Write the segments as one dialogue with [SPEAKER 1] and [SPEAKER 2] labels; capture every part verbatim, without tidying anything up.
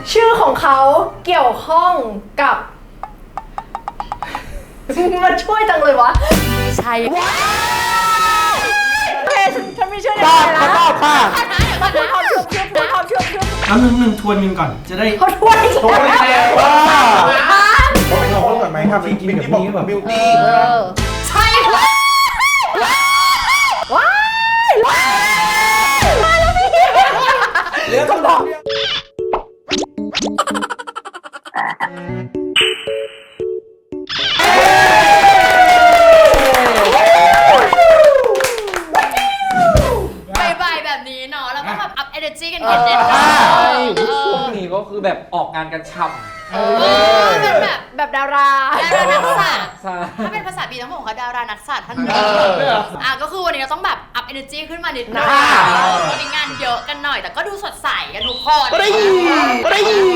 [SPEAKER 1] ชื่อของเขาเกี่ยวข้องกับมันช่วยจังเลยวะ
[SPEAKER 2] ใช่
[SPEAKER 1] ว้าวโอเคฉันฉันไม่เชื่อใน
[SPEAKER 3] ตอบ
[SPEAKER 1] นะ
[SPEAKER 3] ตอบค่ะ
[SPEAKER 1] มาพูดความเชื่อเชื่อพูดความเชื่อเชื่อ
[SPEAKER 4] เอาหนึ่งหนึ่งทวนกันก่อนจะได้
[SPEAKER 1] เขาทวนอีก
[SPEAKER 3] โอ้ย
[SPEAKER 1] แล้ว
[SPEAKER 3] ว่าเขาเป็นของคนก่อนไหมครับบิวตี้บอกบิวตี้
[SPEAKER 1] ใช่ว้ายว้ายว้ายมาแล้วพี่
[SPEAKER 3] เรื่องคำตอบ
[SPEAKER 2] บ่ายๆแบบนี้เนาะแล้วก็แบบอัพเอเนอร์จีกันเย็นๆ
[SPEAKER 5] ใช่
[SPEAKER 2] เอ
[SPEAKER 5] ช่ว
[SPEAKER 2] อง
[SPEAKER 5] นี้ก็คือแบบออกงานกันฉ่
[SPEAKER 2] เออเป็นแบบ
[SPEAKER 1] แบบดารา
[SPEAKER 2] ดารานักสัตว์
[SPEAKER 5] ำใช่
[SPEAKER 2] ถ้าเป็นภาษาบีต้องบอกว่าดารานักสัตว์ท่านหนึง
[SPEAKER 5] เออ
[SPEAKER 2] อ่ะก็คือวันนี้เราต้องแบบอัพเอเนอร์จีขึ้นมานิดนึงวันนี้งานเยอะกันหน่อยแต่ก็ดูสดใสกันทุกคน
[SPEAKER 3] ก็ได้ยินก็ได้ยิน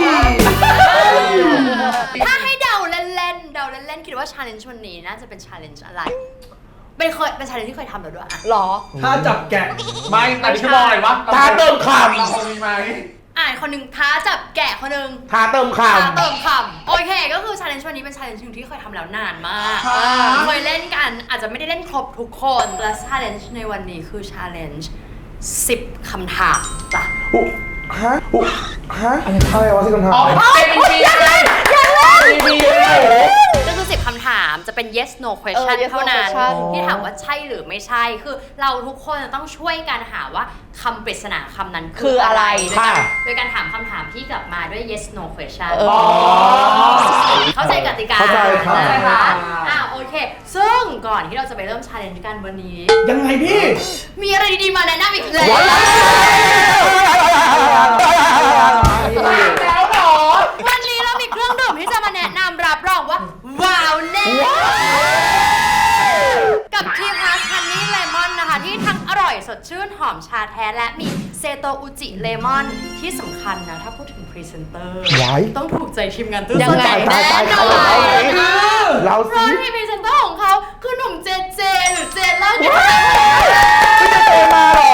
[SPEAKER 2] ถ้าให้เดาเล่นๆเดาเล่นๆคิดว่าชาเลนจ์วันนี้น่าจะเป็นชาเลนจ์อะไรเป็นเคยเป็นชาเลนจ์ที่เคยทำแล้วด้วยอะ
[SPEAKER 1] หรอ
[SPEAKER 4] ถ้าจับแกะ
[SPEAKER 5] ไม่แต่นี่คือมองอะไรวะ
[SPEAKER 3] ท้าเติมค
[SPEAKER 5] เราคงมีไหม
[SPEAKER 2] อ่านคนหนึ่งท้าจับแกะคนหนึ่ง
[SPEAKER 3] ำท้าเติมค
[SPEAKER 2] ท้าเติมคำโอเคก็คือชาเลนจ์วันนี้เป็นชาเลนจ์ที่เคยทำแล้วนานมากเคยเล่นกันอาจจะไม่ได้เล่นครบทุกคนและชาเลนจ์ในวันนี้คือชาเลนจ์สิบคำถามจ้ะ
[SPEAKER 3] ำอุ๊ฮะอุ๊ฮะอะไรวะที่คำถาม
[SPEAKER 5] อ๋อเป็นปีเลยปีเลย
[SPEAKER 2] ก็คือสิบคำถามจะเป็น yes no question
[SPEAKER 1] เออ yes no
[SPEAKER 2] เท่านั้น
[SPEAKER 1] question
[SPEAKER 2] ที่ถามว่าใช่หรือไม่ใช่คือเราทุกคนจะต้องช่วยกันหาว่าคำปริศนาคำนั้น
[SPEAKER 1] คื
[SPEAKER 2] คือ อ
[SPEAKER 1] อะ
[SPEAKER 2] อะไร ไร
[SPEAKER 3] ค่ะ
[SPEAKER 2] โดยการถามคำถามที่กลับมาด้วย yes no question
[SPEAKER 1] เออ
[SPEAKER 2] เข้าใจกติกา
[SPEAKER 3] เข้าใจครับ
[SPEAKER 2] นะคะอ่าโอเค ซึ่งก่อนที่เราจะไปเริ่ม challenge กันวันนี้
[SPEAKER 4] ยังไงพี่
[SPEAKER 2] มีอะไรดีๆมาแนะนำอีกแล้ว
[SPEAKER 3] แล้วหรอ
[SPEAKER 2] วันนี้เรามีเครื่องดื่มที่จะมาแนะนำรับรองว่าว้าวแน่กับทีพลัสฮันนี่เลมอนนะคะที่ทั้งอร่อยสดชื่นหอมชาแท้และมีเซโตอุจิเลมอนที่สำคัญนะ ถ้าพูดถึงพรีเซนเตอร์
[SPEAKER 3] ไว้
[SPEAKER 2] ต้องถูกใจทีมงานตู้
[SPEAKER 1] ยังไง
[SPEAKER 2] แน่นอน
[SPEAKER 3] เรา
[SPEAKER 2] เพ
[SPEAKER 3] สิ
[SPEAKER 2] ราะที่พรีเซนเตอร์ของเขาคือหนุ่มเจเจหรือเจเล่าเนี่ย
[SPEAKER 3] ไม่จะเตะมาหรอ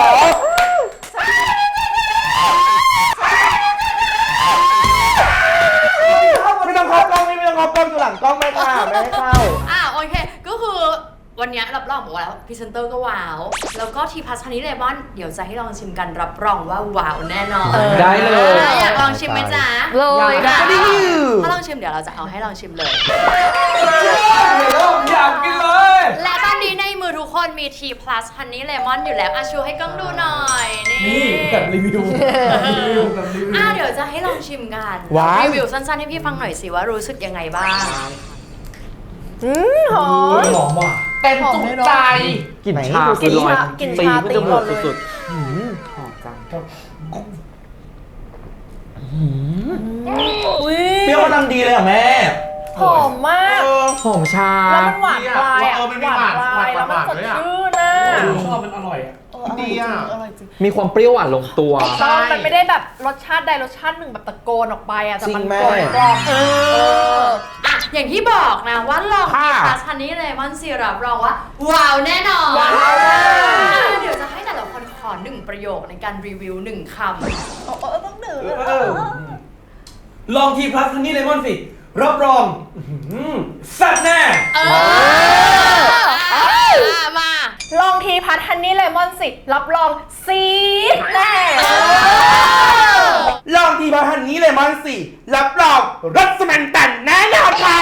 [SPEAKER 3] ไม่ต้องเข้ากล้องไม่ต้องเข้ากล้องอยู่หลังกล้องไม่ค่ะไม่ให้เข้า
[SPEAKER 2] อ่าโอเคก็คือวันนี้รับรองบอกว่าแล้วพรีเซนเตอร์ก็ว้าวแล้วก็ทีพัสฮันนี่เลมอนเดี๋ยวจะให้ลองชิมกันรับรองว่าว้าวแน่นอน
[SPEAKER 5] ได้เลย
[SPEAKER 2] อ่ะอยากลองชิมไหมจ๊ะ
[SPEAKER 1] เลยค่ะ
[SPEAKER 3] ได้ดิ
[SPEAKER 2] ถ้าลองชิมเดี๋ยวเราจะเอาให้ลองชิมเลย
[SPEAKER 5] อยากกินเลย
[SPEAKER 2] และตอนนี้ในมือทุกคนมี T plus Honey Lemon อยู่แล้วอ่ะชูให้กล้องดูหน่อยนี่
[SPEAKER 4] นี่แบบรีวิวรีวิวแบบรีวิว
[SPEAKER 2] อ่ะเดี๋ยวจะให้ลองชิมกัน
[SPEAKER 3] ว้าว
[SPEAKER 2] รีวิวสั้นๆให้พี่ฟังหน่อยสิว่ารู้สึกยังไงบ้าง
[SPEAKER 1] อืมหอม
[SPEAKER 4] หอมว่ะ
[SPEAKER 5] เต็มจุใจ
[SPEAKER 3] กลิ่น
[SPEAKER 5] ไหน
[SPEAKER 3] ชา
[SPEAKER 1] กิน
[SPEAKER 3] คือลอย
[SPEAKER 1] ชากิน
[SPEAKER 5] ตี
[SPEAKER 1] ชา
[SPEAKER 5] ขึ้น
[SPEAKER 1] ตี
[SPEAKER 5] จมู
[SPEAKER 1] ก่
[SPEAKER 5] ก
[SPEAKER 1] อนเลย
[SPEAKER 5] สุดๆหืมหอมจัง
[SPEAKER 1] อุ้ย
[SPEAKER 3] เปรี้ยวกำลังดีเลยอ่ะแม่
[SPEAKER 1] หอมมาก
[SPEAKER 5] หอมชา
[SPEAKER 1] แล้วมันหวานปลายอ่ะ
[SPEAKER 5] เออมันมีหวาน
[SPEAKER 1] ปลาย
[SPEAKER 5] หวาน
[SPEAKER 1] แล้วมันสด
[SPEAKER 5] หวานด้วยอะ
[SPEAKER 1] ชื่นนะ
[SPEAKER 4] ชอบมันอร่อยอ่ะ
[SPEAKER 3] ดีอ่ะ
[SPEAKER 1] อร่อยจริง
[SPEAKER 5] มีความเปรี้ยวหวานลงตัว
[SPEAKER 1] ตอนมันไม่ได้แบบรสชาติใดรสชาติหนึ่งแบบตะโกนออกไปอ่ะแต่มัน
[SPEAKER 3] จริงแม่
[SPEAKER 1] กลมกล่อมเออ
[SPEAKER 2] อ่ะอย่างที่บอกนะว่าลอง
[SPEAKER 3] ค่ะ
[SPEAKER 2] T plus Honey Lemon Syrup รองว่าว้าวแน่นอน
[SPEAKER 1] ว้าวมาก
[SPEAKER 2] อ่ะเดี๋ยวจะให้แต่ละคนขอหนึ่งประโยคในการรีวิวหนึ่งคำ
[SPEAKER 1] เออเออต้องดื่ม
[SPEAKER 3] เออ
[SPEAKER 4] ลองทีพลัสฮันนี่เลมอนสิรับรองอื้อหือแซ่บแน่
[SPEAKER 2] เอออ่ะมา
[SPEAKER 1] ลองทีพัทฮันนี่เลมอนสิรับรองซีดแน่
[SPEAKER 3] ลองทีพาฮันนี้เลยมันสิรับรองรสมันตันแน่นอนค่ะ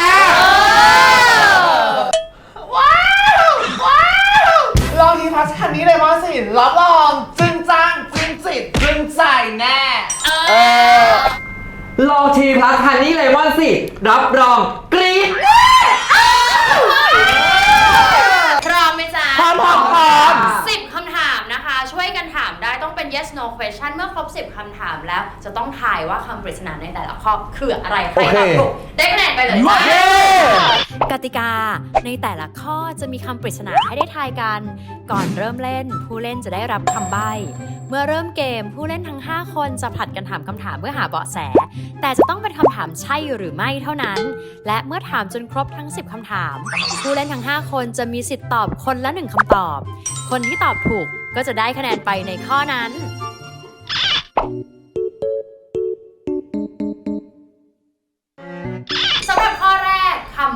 [SPEAKER 2] ว้าวว้าว
[SPEAKER 6] ลองทีพัสคันนี้เลยว่าสิรับรองจึงจ้างจึงจิตจึงใจแน่
[SPEAKER 2] เออ
[SPEAKER 5] ลองทีพลัสฮันนี่เลมอนสิรับรองกรี๊ด
[SPEAKER 2] พร้อมไหมจ๊ะ
[SPEAKER 3] พร้อมพร้อมพร้อม
[SPEAKER 2] สิบคำถามนะคะ ช่วยกันถามได้ต้องเป็น yes no question เมื่อครบสิบคำถามแล้ว จะต้องทายว่าคำปริศนาในแต่ละข้อคืออะไรใครตอบถูกได้คะแนนไปเลยจ้ะ
[SPEAKER 3] เย้
[SPEAKER 2] กติกาในแต่ละข้อจะมีคำปริศนาให้ได้ทายกัน ก่อนเริ่มเล่นผู้เล่นจะได้รับคำใบ้ เมื่อเริ่มเกมผู้เล่นทั้งห้าคนจะผลัดกันถามคำถามเพื่อหาเบาะแส แต่จะต้องเป็นคำถามใช่หรือไม่เท่านั้น และเมื่อถามจนครบทั้งสิบคำถาม ผู้เล่นทั้งห้าคนจะมีสิทธิ์ตอบคนละหนึ่งคำตอบ คนที่ตอบถูกก็จะได้คะแนนไปในข้อนั้น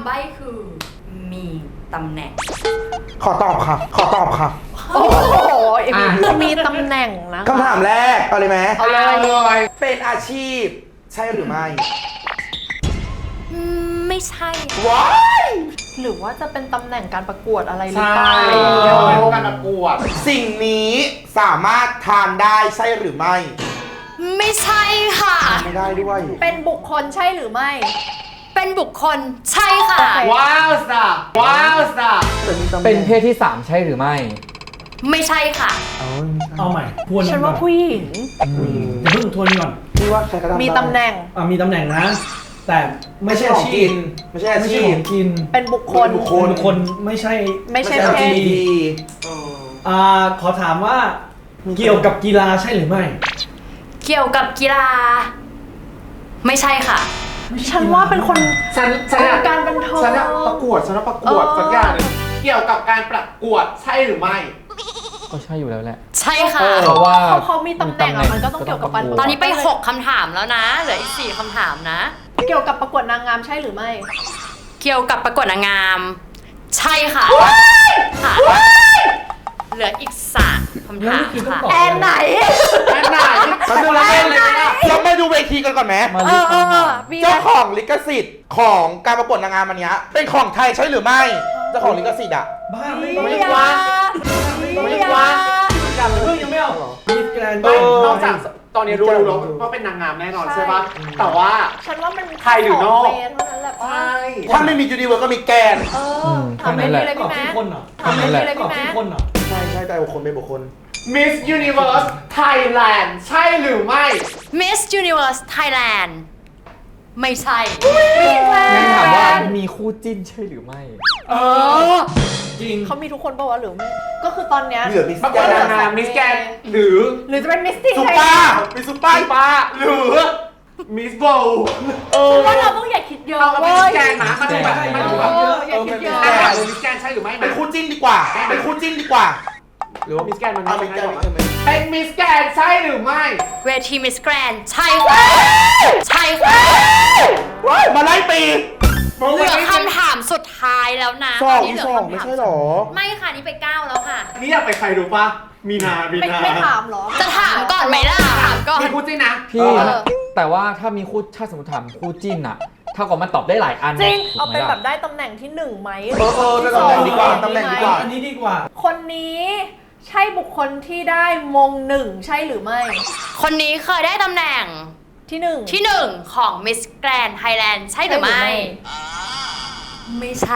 [SPEAKER 2] ใบ้คือมีตำแหน่ง
[SPEAKER 3] ขอตอบค่ะ ขอตอบค่ะ
[SPEAKER 1] โอ้โห
[SPEAKER 5] อ่ะ
[SPEAKER 1] มีตำแหน่งนะ
[SPEAKER 3] คำถามแรก เอาเลยไหม
[SPEAKER 1] เอาเลย
[SPEAKER 6] เอาเลย
[SPEAKER 3] เป็นอาชีพ ใช่หรือไม่
[SPEAKER 2] อืมไม่ใช่
[SPEAKER 3] ว้าย
[SPEAKER 1] หรือว่าจะเป็นตำแหน่งการประกวดอะไรหรือ
[SPEAKER 6] ใช่
[SPEAKER 1] เปล่า
[SPEAKER 6] เกี่ยวกับการประกวด
[SPEAKER 3] สิ่งนี้สามารถทานได้ใช่หรือไม่
[SPEAKER 2] ไม่ใช่ค่ะ
[SPEAKER 3] ไม่ได้ด้วย
[SPEAKER 1] เป็นบุคคลใช่หรือไม่
[SPEAKER 2] เป็นบุคคลใช่ค่ะ
[SPEAKER 1] โอเค
[SPEAKER 6] ว้าวสับว้าวสับ
[SPEAKER 5] เป็นเพศที่สามใช่หรือไม่
[SPEAKER 2] ไม่ใช่ค่ะ
[SPEAKER 4] เอาใหม่ทวน
[SPEAKER 1] ฉันว่า
[SPEAKER 4] ก่อ
[SPEAKER 1] ผู้หญิง
[SPEAKER 4] อย่าเพิ่งทวนก่อน
[SPEAKER 3] พี่ว่าใครก็ทำได้
[SPEAKER 1] มีตำแหน่ง
[SPEAKER 4] อ่ะมีตำแหน่งนะ แต่ไม่ใช่
[SPEAKER 3] ข
[SPEAKER 4] อา
[SPEAKER 3] อง
[SPEAKER 4] ชี
[SPEAKER 3] กิ
[SPEAKER 4] พ
[SPEAKER 3] น ไม่ใช่อา
[SPEAKER 4] ไม่
[SPEAKER 3] ชี
[SPEAKER 4] ใช่ข
[SPEAKER 3] พ
[SPEAKER 4] องกิน
[SPEAKER 1] เป็นบุคคล
[SPEAKER 3] เป็นบุคค
[SPEAKER 4] คนคนไม่ใช่
[SPEAKER 1] ไม่ใช่
[SPEAKER 3] ไม่ใช่
[SPEAKER 1] เพศ
[SPEAKER 3] ดี
[SPEAKER 4] อ่าขอถามว่าเกี่ยวกับกีฬาใช่หรือไม่
[SPEAKER 2] เกี่ยวกับกีฬา ไม่ใช่ค่ะ
[SPEAKER 1] ฉันว่าเป็นคน
[SPEAKER 6] ฉันฉันอะ
[SPEAKER 1] การบันเทิง
[SPEAKER 6] ฉันอะประกวดฉันอะประกวด
[SPEAKER 1] เออ
[SPEAKER 6] สักอย่างหนึงเกี่ยวกับการประกวดใช่หรือไม่
[SPEAKER 5] ก็ใช่อยู่แล้วแหละ
[SPEAKER 2] ใช่ค่ะ
[SPEAKER 5] เพราะว่า
[SPEAKER 1] เขาเขามีตำแหน่งอะมันก็ต้องเกี่ยวกับการ
[SPEAKER 2] ตอนนี้ไปหกคำถามแล้วนะ เหลืออีกสี่คำถามนะ
[SPEAKER 1] เกี่ยวกับประกวดนางงามใช่หรือไม่
[SPEAKER 2] เกี่ยวกับประกวดนางงาม ใช่ค่ะค่ะ เหลืออีกสามคำถามค่ะ
[SPEAKER 1] แอนไหน
[SPEAKER 6] แอนไหน
[SPEAKER 3] มันดูแล้วเล่นเลยนะเรามาดูเวทีกันก่อนไหม
[SPEAKER 5] มา
[SPEAKER 1] เอ
[SPEAKER 5] ลิ
[SPEAKER 1] อ
[SPEAKER 5] ฟต์
[SPEAKER 1] เออ
[SPEAKER 5] คำ
[SPEAKER 1] เอ
[SPEAKER 5] ถา
[SPEAKER 1] อ
[SPEAKER 5] ม
[SPEAKER 1] มี
[SPEAKER 3] เจ้าของลิขสิทธิ์ของการประกวดนางงามอันเนี้ยเป็นของไทยใช่หรือไม่ เจ้าของลิขสิทธิ์อ่ะ
[SPEAKER 4] บ้าไม่
[SPEAKER 1] มี
[SPEAKER 4] ไม่
[SPEAKER 1] ยา
[SPEAKER 4] ว่า
[SPEAKER 1] มียา
[SPEAKER 4] การเพิ่งยังไม่เอามีแกรนด์
[SPEAKER 6] ไม่นอกจากตอนนี้รู้แล้วว่าเป็นนางงามแน่นอนใช่ปะแต่ว่า
[SPEAKER 1] ฉันว่ามัน
[SPEAKER 6] ไทยหรือนอก
[SPEAKER 1] สงเวย์เท่านั้นแหละป่ะ
[SPEAKER 6] ใช่
[SPEAKER 3] ถ้าไม่มียูนิเวิร์สก็มีแกน
[SPEAKER 1] เออถามไม่มีเลย
[SPEAKER 4] ตอ
[SPEAKER 1] พี่
[SPEAKER 4] บ
[SPEAKER 1] แม่
[SPEAKER 4] ชื่อคนเหรอ
[SPEAKER 1] ถามไม่มีเลย
[SPEAKER 4] ตอ
[SPEAKER 1] พี่
[SPEAKER 4] บ
[SPEAKER 1] แม่
[SPEAKER 4] ชื่อคนเหรอ
[SPEAKER 3] ใช่ใช่แต่บุคคลเป็นบุคคล
[SPEAKER 6] Miss Universe Thailand ใช่หรือไม่
[SPEAKER 2] Miss Universe Thailand ไม่ใช่
[SPEAKER 5] งั้นถามว่ามีคู่จิ้นใช่หรือไม่
[SPEAKER 6] เออ
[SPEAKER 4] จริง
[SPEAKER 1] เขามีทุกคนป่าวะหรือไม่ ก็คือตอนเนี้ย
[SPEAKER 3] เหลือมิส
[SPEAKER 6] ประก
[SPEAKER 3] แก
[SPEAKER 6] วด
[SPEAKER 3] น
[SPEAKER 6] นางงามมิสแกนหรือ
[SPEAKER 1] หรือจะเป็นมิสตี้
[SPEAKER 3] ซุป
[SPEAKER 1] ไท
[SPEAKER 3] เปอย ร์มีซุปเปอ
[SPEAKER 6] ป้า
[SPEAKER 3] ร์
[SPEAKER 6] ป้าหรือมิสโบ
[SPEAKER 1] ฉันว่าเราต้องอย่าคิดเยอะ
[SPEAKER 6] เอามาเป็น
[SPEAKER 1] เว้
[SPEAKER 6] มิ
[SPEAKER 1] ย
[SPEAKER 6] สแกนนะมันดูแบบมันดูแบบ
[SPEAKER 1] เอออย่าคิดเยอะ
[SPEAKER 6] นางงามหรือมิสแกนใช่หรือไม่
[SPEAKER 3] เป็นคู่จิ้นดีกว่า เป็นคู่จิ้นดีกว่า
[SPEAKER 6] หรือว่ามิสแกนมัน
[SPEAKER 3] เอา
[SPEAKER 6] ไม่
[SPEAKER 3] มิส
[SPEAKER 6] ใช่
[SPEAKER 3] แกน
[SPEAKER 6] หรอ
[SPEAKER 3] ไม่ใช่ไหม
[SPEAKER 6] เป็นมิสแกนใช่หรือไม่
[SPEAKER 2] เวที Miss Grand ใช่ค่ะ ใช่ค่ะ
[SPEAKER 3] ว้ายมาไล่ปี
[SPEAKER 2] เหลือคำถามสุดท้ายแล้วนะ
[SPEAKER 3] สอง
[SPEAKER 2] ตนนี้
[SPEAKER 3] อี
[SPEAKER 2] เหลื
[SPEAKER 3] สอง
[SPEAKER 2] คำถา
[SPEAKER 3] ไม่ใช่หรอ
[SPEAKER 2] ไม่ค่ะ นี่ไปเก้าแล้วค่ะ
[SPEAKER 6] นี่อยากไปใครดูปะมีนา มี
[SPEAKER 1] ไม่
[SPEAKER 6] นา
[SPEAKER 1] ไม่ถามเหรอ
[SPEAKER 2] จะถามก่อนไหมล่ะ ถามก่อน
[SPEAKER 6] มีคู่จิ้นนะ
[SPEAKER 5] พี่
[SPEAKER 1] เออ
[SPEAKER 5] แต่ว่าถ้ามีคู่ถ้าสมมติถามคู่จิ้นอะเท่ากับมันตอบได้หลายอัน
[SPEAKER 1] จริง
[SPEAKER 5] ถู
[SPEAKER 1] เอา
[SPEAKER 5] กไหม
[SPEAKER 1] เป็น
[SPEAKER 5] ล่ะ
[SPEAKER 1] แบบได้ตำแหน่งที่หนึ่งไหม
[SPEAKER 3] เออเออได้ตำแหน่งดีกว่าตำแหน่งดีกว่า
[SPEAKER 4] อันนี้ดีกว่า
[SPEAKER 1] คนนี้ใช่บุคคลที่ได้มงหนึ่งใช่หรือไม่
[SPEAKER 2] คนนี้เคยได้ตำแหน่ง
[SPEAKER 1] ที่หนึ่ง
[SPEAKER 2] ที่หนึ่งของ Miss Grand Thailand ใช่หรือไม่ ไม่ใช่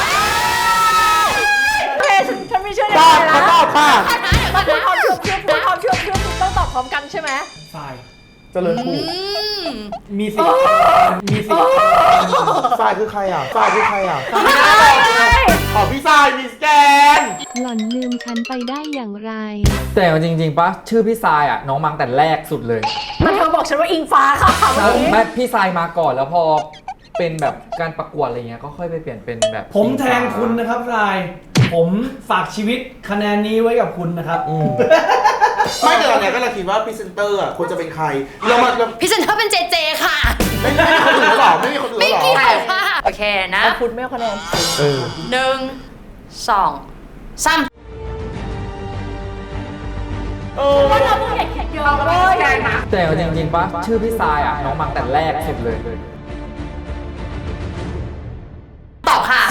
[SPEAKER 1] โอเคฉันฉันไม่เชื่อใน
[SPEAKER 3] ตอบ
[SPEAKER 1] ใจ
[SPEAKER 3] มา
[SPEAKER 1] นะ
[SPEAKER 3] ตอบค่ะ
[SPEAKER 1] มาพูดความเชื่อเชื่อพูดความเชื่อเชื่อต้องตอบพร้อมกันใช่ไหม
[SPEAKER 4] ทราย
[SPEAKER 3] เจริญถูก
[SPEAKER 2] อืม
[SPEAKER 4] มีสิทธิ์มีสิทธิ์
[SPEAKER 3] ทรายคือใครอ่ะทรายคือใครอ่ะ
[SPEAKER 1] ใช่
[SPEAKER 3] ขอพี่ทรายมิสแกน
[SPEAKER 7] หล่อนลืมฉันไปได้อย่างไร
[SPEAKER 5] แต่เอาจริงๆปะชื่อพี่ทรายอะน้องมังแต่แรกสุดเลย
[SPEAKER 1] มันเธอบอกฉันว่าอิงฟ้าค่ะวันนี้
[SPEAKER 5] ไม่พี่ทรายมาก่อนแล้วพอเป็นแบบการประกวดอะไรเงี้ยก็ค่อยไปเปลี่ยนเป็นแบบ
[SPEAKER 4] ผมแทงคุณนะครับทราย ผมฝากชีวิตคะแนนนี้ไว้กับคุณนะครับ
[SPEAKER 5] อืม
[SPEAKER 3] ไม่แต่ตอนเนี้ยก็เราคิดว่าพรีเซนเตอร์อ่ะควรจะเป็นใคร เรามาเรา
[SPEAKER 2] พี่เซนเตอร์เป็นเจเจค่ะ
[SPEAKER 3] ไม่ไม่มีคนอื่นแล้วหรอ ไม่มีคนอื่น
[SPEAKER 2] ไม่
[SPEAKER 3] แล้วหรอ
[SPEAKER 2] เกี่ยวค่ะ โอเคนะ
[SPEAKER 1] เอาพุทธไม่เอาคะแนน
[SPEAKER 3] เออ
[SPEAKER 2] หนึ่งสองสาม
[SPEAKER 3] เออ
[SPEAKER 1] ว่าเราต้องอย่าคิดเยอะ
[SPEAKER 6] เอามา
[SPEAKER 1] เว้
[SPEAKER 6] เป็นมิ
[SPEAKER 1] ย
[SPEAKER 6] สแกนนะ
[SPEAKER 5] แต่เอาจริงๆปะชื่อพี่ทรายอะน้องมังแต่แรกสุดเลย
[SPEAKER 2] ตอบค่ะ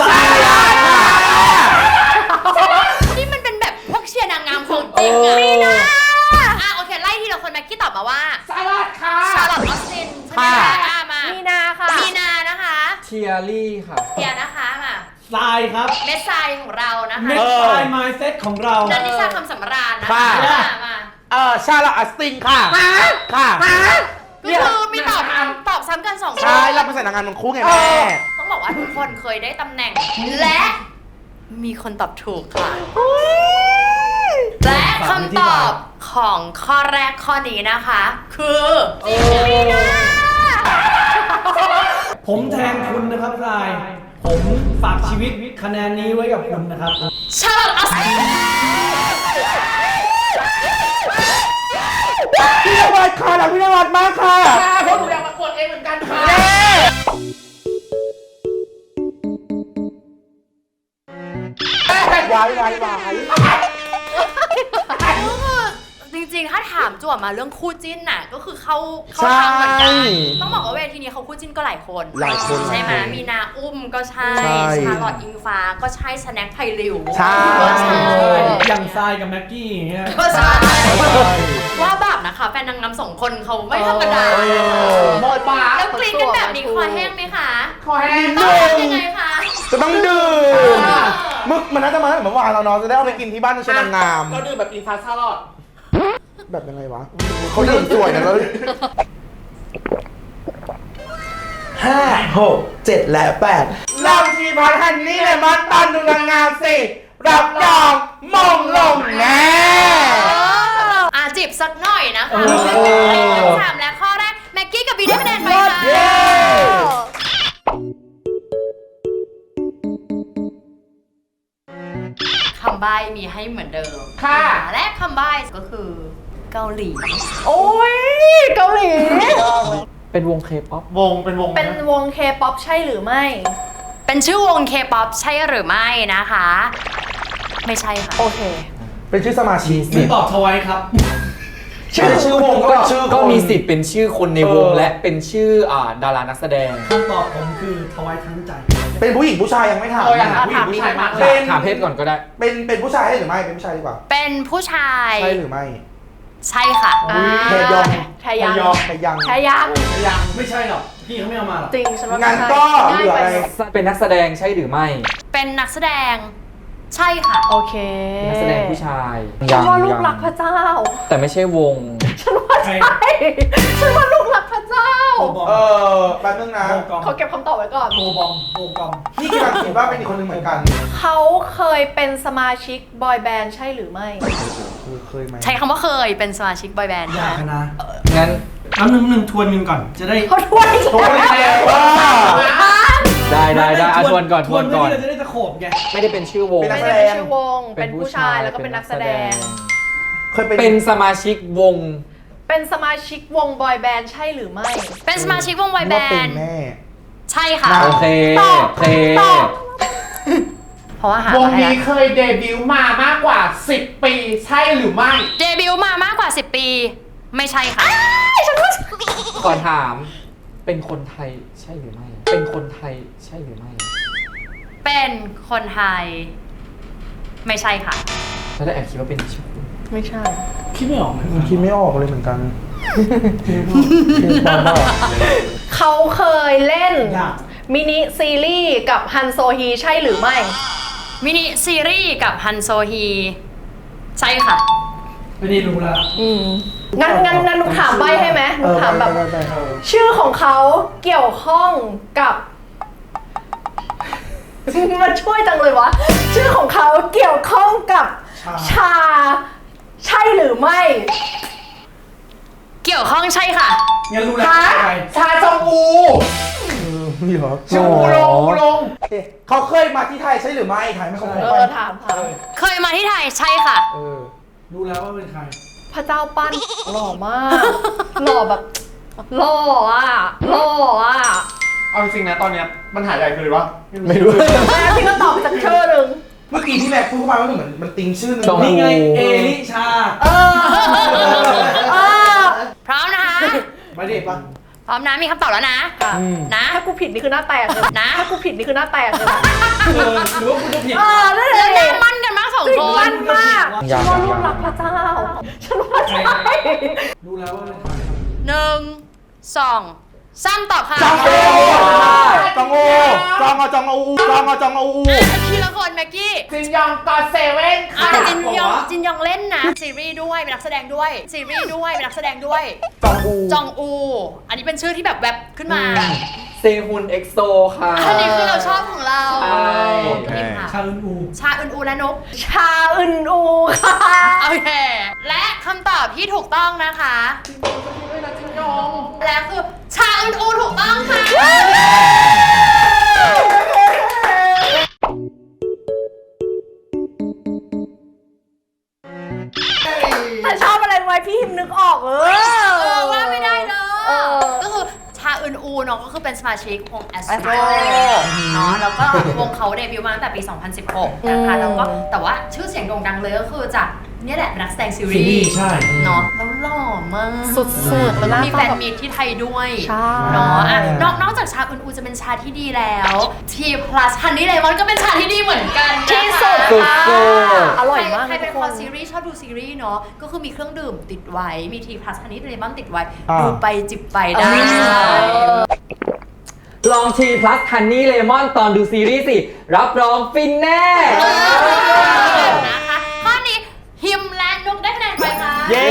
[SPEAKER 2] นี่มันเป็นแบบพวกเชียร์นางงามของจริงอะนี่นะอ่ะโอเค ไล่ทีละคนแม็กกี้ตอบมาว่า
[SPEAKER 6] สลัดค่ะ
[SPEAKER 2] ชาร์ลอตออสตินใช่ไหมคะอ่ะมา
[SPEAKER 1] มีนาค่ะ
[SPEAKER 2] มีนานะคะ
[SPEAKER 5] เทียรี่ค่ะ
[SPEAKER 2] เทียนะคะมา
[SPEAKER 4] ทรายครับ
[SPEAKER 2] เมสไซของเรานะคะ
[SPEAKER 4] เม็ดทรายไมซ์เซ็ตของเรา
[SPEAKER 2] นันนิชาคำสำราญนะ
[SPEAKER 3] ค่ะ
[SPEAKER 2] คะมามา
[SPEAKER 3] เออชาลอตอัสตินค่ะ ค่ะ
[SPEAKER 2] ก็คือมีตอบตอบซ้ำกันสองคน
[SPEAKER 3] ใช่เราเป็นสายนางงานมันคู่ไงแม่
[SPEAKER 2] ต้องบอกว่าทุกคนเคยได้ตำแหน่ง และมีคนตอบถูกค่ะ และคำตอบของข้อแรกข้อนี้นะคะ คือมีนา
[SPEAKER 4] ผมแทงคุณนะครับทราย ผมฝากชีวิตคะแนนนี้ไว้กับคุณนะครับ
[SPEAKER 2] ชาร์ลอตออสติน
[SPEAKER 3] พี่นวัดค่ะหลังพี่นวัดมากค่ะ
[SPEAKER 6] ค่ะเพราะหนูอยากประกวดเองเหมือนกันค่ะ
[SPEAKER 3] ายวายวาย
[SPEAKER 2] จริงๆ ถ้าถามจั่วมาเรื่องคู่จิ้นน่ะก็คือเข้าเข้าทางเหมือนกันต้องบอกว่าเวทีนี้เขาคู่จิ้นก็หลายคน
[SPEAKER 3] หลายคน
[SPEAKER 2] ใช่ไหมมีนาอุ้มก็ใช่
[SPEAKER 3] ใช่
[SPEAKER 2] ชาลอตอิงฟ้าก็ใช่สแน็คไพริว
[SPEAKER 3] ใช่
[SPEAKER 2] ก็ใช่
[SPEAKER 4] อย่างทรายกับแม็กกี้อย่างเงี้ย
[SPEAKER 2] ก็ใช่ว่าแบบนะคะแฟนนางงามสองคนเขาไม่ธรรมดา
[SPEAKER 6] หมดปาก
[SPEAKER 2] แล้วกรี๊ดกันแบบนี้คอแห้งไหมคะ
[SPEAKER 6] คอแห้ง
[SPEAKER 2] ต้องทำยังไงคะ
[SPEAKER 3] จะต้องดื่มมึกมันน่าจะมาเหมือนวานเราเนาะจะได้เอาไปกินที่บ้านชนางงาม
[SPEAKER 6] เราดื่มแบบอินฟาชาลอด
[SPEAKER 3] แบบยังไงวะเขาดื่มสวยนะแล้วห้าหกเจ็ดและแปดลองทีพัทฮันนี่เลยมันตันดูนางงามสิรับรองมงลงแน่
[SPEAKER 2] อ่ะจิบสักหน่อยนะคะ
[SPEAKER 3] โอ้
[SPEAKER 2] ข้อสามและข้อแรกแม็กกี้กับบีได้คะแนนไปค่ะ
[SPEAKER 3] เย้
[SPEAKER 2] คำใบ้มีให้เหมือนเดิม
[SPEAKER 6] ค่ะ
[SPEAKER 2] และคำใบ้ก็คือเกาหลี
[SPEAKER 1] โอ้ยเกาหลี
[SPEAKER 5] เป็นวงเคป๊อป
[SPEAKER 6] วงเป็นวง
[SPEAKER 1] เป็นวงเคป๊อปใช่หรือไม่
[SPEAKER 2] เป็นชื่อวงเคป๊อปใช่หรือไม่นะคะ ไม่ใช่ค่ะ
[SPEAKER 1] โอเค
[SPEAKER 3] เป็นชื่อสมาชิก
[SPEAKER 4] มีตอบทวายครับ
[SPEAKER 3] ชื่อชื่อวงก็เป็นชื่อ
[SPEAKER 5] ก็
[SPEAKER 3] คน
[SPEAKER 5] มีสิทธิ์เป็นชื่อคนในวง
[SPEAKER 3] เออ
[SPEAKER 5] และเป็นชื่ออ่าดารานักแสดง
[SPEAKER 4] คำตอบผมคือทวายทั้งใจ
[SPEAKER 3] เป็นผู้หญิงผู้ชายยังไม่ถาม
[SPEAKER 6] เอออยากถาม
[SPEAKER 1] ถาม
[SPEAKER 6] ผู้หญิงผู้ชายมากเล
[SPEAKER 3] เป็
[SPEAKER 6] ย
[SPEAKER 3] น
[SPEAKER 5] ถามเพศก่อนก็ได้
[SPEAKER 3] เป็นเป็นผู้ชายหรือไม่เป็นผู้ชายดีกว่า
[SPEAKER 2] เป็นผู้ชาย
[SPEAKER 3] ใช่หรือไม่
[SPEAKER 2] ใช่ค่ะ
[SPEAKER 1] อ่า
[SPEAKER 3] เทยอง
[SPEAKER 1] แทยัง
[SPEAKER 3] ไปยัง
[SPEAKER 1] แทยัง
[SPEAKER 6] ยัง
[SPEAKER 4] ไม่ใช่หรอก พี่เขาไม่เอามาหรอก
[SPEAKER 1] จริงฉันว่า
[SPEAKER 3] งั้น
[SPEAKER 1] ไม่ใช่
[SPEAKER 3] ก็เหลือ
[SPEAKER 1] ง่าย
[SPEAKER 3] อะไร
[SPEAKER 1] ไป
[SPEAKER 5] เป็นนักแสดงใช่หรือไม่
[SPEAKER 2] เป็นนักแสดงใช่ค่ะ
[SPEAKER 1] โอเค
[SPEAKER 5] นักแสดงผู้ชาย
[SPEAKER 1] ฉันว่าลูก
[SPEAKER 5] ยัง
[SPEAKER 1] รักพระเจ้า
[SPEAKER 5] แต่ไม่ใช่วง
[SPEAKER 1] ฉันว่าใช่ฉันว่าลูกรักพระเจ้า
[SPEAKER 4] โบบอม
[SPEAKER 3] เออแป๊บนึงนะ
[SPEAKER 4] โบกอม
[SPEAKER 1] ขอเก็บคำตอบไว้ก่อน
[SPEAKER 4] โบบอมโบกอม
[SPEAKER 3] นี่กำลังคิดว่าเป็นอีกคนหนึ่งเหมือนกัน
[SPEAKER 1] เขาเคยเป็นสมาชิกบอยแบนด์ใช่หรือไม่
[SPEAKER 3] คือเคยไหม
[SPEAKER 2] ใช้คำว่าเคยเป็นสมาชิกบอยแบนด์
[SPEAKER 4] อยากนะ
[SPEAKER 5] งั้น
[SPEAKER 4] เอาหนึ่งหนึ่งทวนกันก่อน จะได้
[SPEAKER 1] เขาถ้วยอีก
[SPEAKER 3] โทษ
[SPEAKER 1] แล้ว
[SPEAKER 3] แล้วว่า
[SPEAKER 5] ได้ได้ได้อ่ะทวนก่อนทวนก่อน
[SPEAKER 4] เพื่อที่เราจะได้ตะโขบไง
[SPEAKER 5] ไม่ได้เป็นชื่อวง
[SPEAKER 3] เป็นนั
[SPEAKER 1] ไม่
[SPEAKER 3] กแส
[SPEAKER 1] ได้
[SPEAKER 3] ด
[SPEAKER 1] เป็น
[SPEAKER 3] ง
[SPEAKER 1] ชื่อวง เป็นผู้ชายแล้วก็เป็นนักแสดง
[SPEAKER 3] เคยเป็น
[SPEAKER 5] เป็นสมาชิกวง
[SPEAKER 1] เป็นสมาชิกวงบอยแบนด์ใช่หรือไม่
[SPEAKER 2] เป็นสมาชิกวงบอยแบ
[SPEAKER 3] ว่าเป็น
[SPEAKER 2] นด์
[SPEAKER 3] แม่
[SPEAKER 2] ใช่ค่ะ
[SPEAKER 5] โอเค
[SPEAKER 1] ตอบ
[SPEAKER 5] โอเค
[SPEAKER 1] ตอบ
[SPEAKER 2] เพราะว่าหาว
[SPEAKER 6] ง
[SPEAKER 2] มาให้
[SPEAKER 6] นี้
[SPEAKER 2] แล้ว
[SPEAKER 6] เคยเดบิวต์มามากกว่าสิบปี ใช่หรือไม่
[SPEAKER 2] เดบิวต์มามากกว่าสิบปี ไม่ใช่ค่ะ
[SPEAKER 5] ขอถาม เป็นคนไทยใช่หรือไม่ เป็นคนไทยใช่หรือไม่
[SPEAKER 2] เป็นคนไทย ไม่ใช่ค่ะ
[SPEAKER 5] แล้วได้แอบคิดว่าเป็นชื่อ
[SPEAKER 1] ไม่ใช่
[SPEAKER 4] คิดไม่ออกเลย
[SPEAKER 3] คิดไม่ออกเลยเหมือนกัน
[SPEAKER 1] เขาเคยเล่น
[SPEAKER 4] ยาก
[SPEAKER 1] มินิซีรีส์กับฮันโซฮีใช่หรือไม่
[SPEAKER 2] มินิซีรีส์กับฮันโซฮี ใช่ค่ะ
[SPEAKER 4] ไม่ได้รู้แล้ว
[SPEAKER 1] อืมงั้นงั้นงั้นหนูถามใบให้ไหมหนูถามแบบ
[SPEAKER 3] เออได้ได้ได้
[SPEAKER 1] ชื่อของเขาเกี่ยวข้องกับ มันช่วยจังเลยวะ ชื่อของเขาเกี่ยวข้องกับชา ใช่หรือไม่
[SPEAKER 2] เกี่ยวข้องใช่ค่ะ
[SPEAKER 4] งั้นรู้แล้ว
[SPEAKER 6] ฮะ
[SPEAKER 4] ใคร
[SPEAKER 6] ชาจองอู
[SPEAKER 3] นี่เหรอ
[SPEAKER 6] ชื่ออูลงอูลง
[SPEAKER 3] เอ๊ะเขาเคยมาที่ไทยใช่หรือไม่ไทยไม่เคย
[SPEAKER 1] เอ
[SPEAKER 3] ไป
[SPEAKER 1] อถามถาม
[SPEAKER 2] เคยมาที่ไทยใช่ค่ะ
[SPEAKER 3] เออ
[SPEAKER 4] รู้แล้วว่าเป็นใคร
[SPEAKER 1] พระเจ้าปั้นหล่อมาก หล่อแบบหล่ออ่ะหล่ออ่ะ
[SPEAKER 6] เอาจริงๆนะตอนเนี้ยปัญหาใหญ่คือว่า
[SPEAKER 3] ไม่รู้
[SPEAKER 1] แล้วพี่ก็ตอบไปจากชื่อหนึ่ง
[SPEAKER 3] เมื่อกี้ที่แม็กพูดเข้ามาว่าเหมือนมันติงชื่อหนึง
[SPEAKER 5] จอง
[SPEAKER 4] นี่ไง เอลิชา
[SPEAKER 1] เออเออ
[SPEAKER 2] พร้อมนะคะ
[SPEAKER 4] ไม่ได้ปะ
[SPEAKER 2] พร้อมนะมีคำตอบแล้วนะ นะ
[SPEAKER 1] ถ้ากูผิดนี่คือหน้าแตกเลย
[SPEAKER 2] นะ
[SPEAKER 1] ถ้ากูผิดนี่คือหน้าแตกเลย
[SPEAKER 4] เออหรือว่าคุณจะผิด
[SPEAKER 1] เออนั่น
[SPEAKER 2] แล้ว
[SPEAKER 1] เล
[SPEAKER 2] หน้าย มั่นกันมากสอง
[SPEAKER 1] จริง
[SPEAKER 2] ค
[SPEAKER 1] มัน นมาก
[SPEAKER 5] ยั
[SPEAKER 1] ฉั
[SPEAKER 5] ง
[SPEAKER 1] นว่า
[SPEAKER 5] ยัง
[SPEAKER 1] ลูกรักพระเจ้า ฉันว่าใช่
[SPEAKER 4] รู้แล้วว่าเป็นใคร
[SPEAKER 2] หนึ่งสองสามตอบค่ะ
[SPEAKER 3] จองโอจองโอจองเอาจองเอาอูจองเอาจองเอาอู
[SPEAKER 2] อ่ะทีละคนแม็กกี้
[SPEAKER 6] จินยองกอเซเว่น
[SPEAKER 2] อ่ะ
[SPEAKER 6] ค่ะ
[SPEAKER 2] จินยองจินยองเล่นนะซีรีส์ด้วยเป็นนักแสดงด้วยซีรีส์ด้วยเป็นนักแสดงด้วย
[SPEAKER 3] จองอู
[SPEAKER 2] จองอู อันนี้เป็นชื่อที่แบบแวบขึ้นมา
[SPEAKER 5] เซฮุนเอ็กโซค่ะ
[SPEAKER 2] อันนี้คือเราชอบของเรา
[SPEAKER 5] ใช่
[SPEAKER 2] พิมพ์ค่ะ
[SPEAKER 4] ชาอึนอู
[SPEAKER 2] ชาอึนอูและนก
[SPEAKER 1] ชาอึนอูค่ะ
[SPEAKER 2] โอเค และคำตอบที่ถูกต้องนะคะ
[SPEAKER 6] จินยอง
[SPEAKER 2] และคือชาอึนอูถูกต้องค่ะ
[SPEAKER 1] แต่ชอบอะไรไว้พี่หิมนึกออกเออ
[SPEAKER 2] เออว่าไม่ได้เล
[SPEAKER 1] เอย อ
[SPEAKER 2] ก็คือชาอึนอูเนาะก็คือเป็นสมาชิกวง Astro
[SPEAKER 1] Astro
[SPEAKER 2] เนาะแล้วก็วงเขาเดบิวต์มาตั้งแต่ปี สองพันสิบหก นะคะแล้วก็แต่ว่าชื่อเสียงโด่งดังเลยก็คือจากเนี่ยแหละนักแสดงซี
[SPEAKER 4] ซี
[SPEAKER 2] รี
[SPEAKER 4] รี
[SPEAKER 2] ส์
[SPEAKER 4] ส์ใช่
[SPEAKER 2] เนาะ
[SPEAKER 1] แล้วหล่อมาก
[SPEAKER 2] สุดๆแล้วก็มีแฟนมีตที่ไทยด้วย
[SPEAKER 1] ใช่
[SPEAKER 2] เนาะอ่ะนอกนอกจากชาอึนอูจะเป็นชาที่ดีแล้วที plus ฮันนี่เลมอนก็เป็นชาที่ดีเหมือนกันนะคะ
[SPEAKER 1] ที่สุด
[SPEAKER 5] สุด
[SPEAKER 1] ค่ะ
[SPEAKER 5] ๆ
[SPEAKER 1] อร่อยมาก
[SPEAKER 2] ใครเป็น
[SPEAKER 1] ทุ
[SPEAKER 2] ค
[SPEAKER 1] ก
[SPEAKER 2] อซีรีส์ชอบดูซีรีส์เนาะก็คือมีเครื่องดื่มติดไว้มีที plus ฮันนี่เลมอนติดไว้
[SPEAKER 3] อ่า
[SPEAKER 2] ดูไปจิบไปได้
[SPEAKER 5] ลองที plus honey lemon ตอนดูซีรีส์สิ รับรองฟินแน่
[SPEAKER 2] นะคะข้อนี้ฮิมและนุกได้คะแนนไปค่ะ
[SPEAKER 3] เย้